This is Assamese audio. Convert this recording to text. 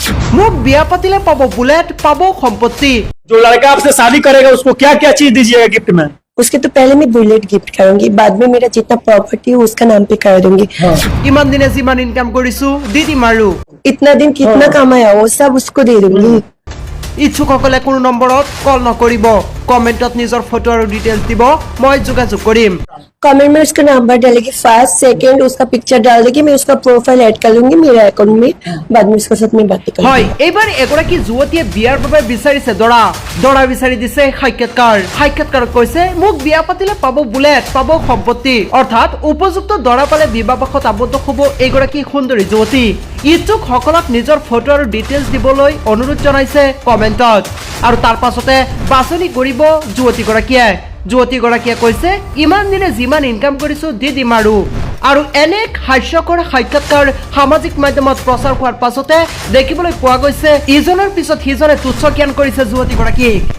মোক বিয়া পাতিলে পাব বুলেট, পাব সম্পত্তি। जो लड़का आपसे शादी करेगा उसको क्या क्या चीज दीजिएगा गिफ्ट में? उसके तो पहले मैं बुलेट गिफ्ट करूंगी, बाद में मेरा जितना प्रॉपर्टी है उसका नाम पे कर दूंगी। ইমান দিনে যিমান ইনকাম কৰিছো দি দিম আৰু। इतना दिन कितना कमाया वो सब उसको दे दूंगी। ইচ্ছুকসকলে কোনো নম্বৰত কল নকৰিব, কমেন্টত নিজৰ ফটো আৰু ডিটেইলছ দিব, মই যোগাযোগ কৰিম। कमेंट में उसका नंबर डालेगी, फर्स्ट सेकंड उसका पिक्चर डाल देगी, मैं उसका प्रोफाइल ऐड कर लूंगी मेरे अकाउंट में, बाद में उसके साथ मैं बातें হয়, करूंगी। এইবাৰ এগৰাকী যুৱতীয়ে বিয়াৰ বাবে বিচাৰিছে দৰা বিচাৰি দিছে সাক্ষাৎকাৰত কৈছে মোক বিয়া পাতিলে পাব বুলেট, পাব সম্পত্তি। অৰ্থাৎ উপযুক্ত দৰা পালে বিবাহপাশত আবদ্ধ হ'ব এইগৰাকী সুন্দৰী যুৱতী। ইচ্ছুক সকলক নিজৰ ফটো আৰু ডিটেইলছ দিবলৈ অনুৰোধ জনাইছে কমেন্টত, আৰু তাৰ পাছতে বাছনি কৰিব যুৱতীগৰাকীয়ে কৈছে ইমান দিনে যিমান ইনকাম কৰিছো দি দিম আৰু এনে হাস্যকৰ সাক্ষাৎকাৰ সামাজিক মাধ্যমত প্ৰচাৰ হোৱাৰ পাছতে দেখিবলৈ পোৱা গৈছে ইজনৰ পিছত সিজনে তুচ্ছ জ্ঞান কৰিছে যুৱতীগৰাকীক।